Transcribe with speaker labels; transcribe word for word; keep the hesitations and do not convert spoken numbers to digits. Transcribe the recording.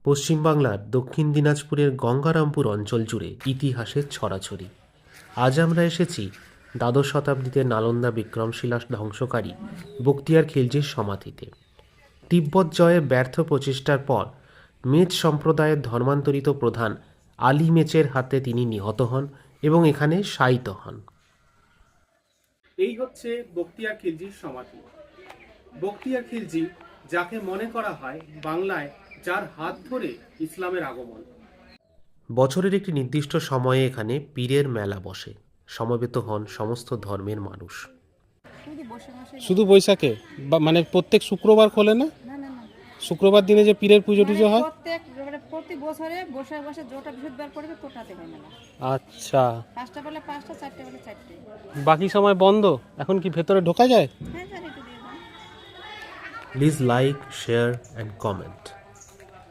Speaker 1: পশ্চিমবাংলার দক্ষিণ দিনাজপুরের গঙ্গারামপুর অঞ্চল জুড়ে ইতিহাসের ছড়াছড়ি। আজ আমরা এসেছি দ্বাদশ শতাব্দীতে নালন্দা বিক্রমশিলা ধ্বংসকারী বখতিয়ার খিলজির সমাধিতে। তিব্বত জয়ে ব্যর্থ প্রচেষ্টার পর মেচ সম্প্রদায়ের ধর্মান্তরিত প্রধান আলী মেচের হাতে তিনি নিহত হন এবং এখানে শায়িত হন।
Speaker 2: এই হচ্ছে বখতিয়ার খিলজির সমাধি। বখতিয়ার খিলজি, যাকে মনে করা হয় বাংলায় যার হাত ধরে ইসলামের আগমন।
Speaker 1: বছরের একটি নির্দিষ্ট সময়ে এখানে পীরের মেলা বসে, সমবেত হন সমস্ত ধর্মের মানুষ।
Speaker 3: শুধু বৈশাখে বা- মানে প্রত্যেক শুক্রবার খোলে না?
Speaker 4: না না না
Speaker 3: শুক্রবার দিনে যে পীরের পুজো
Speaker 4: মানে
Speaker 3: টুজো হয়?
Speaker 4: প্রত্যেক মানে প্রতি বছরে বসে বসে যেটা বৃহস্পতিবার পড়বে তোটাতে হয় মেলা।
Speaker 3: আচ্ছা,
Speaker 4: পাঁচটা বেলা পাঁচটা, চারটে বেলা চারটে।
Speaker 3: বাকি সময় বন্ধ। এখন কি ভেতরে ঢোকা যায়?
Speaker 4: হ্যাঁ, জানি একটু দিয়ে দাও।
Speaker 1: Please like, share and comment.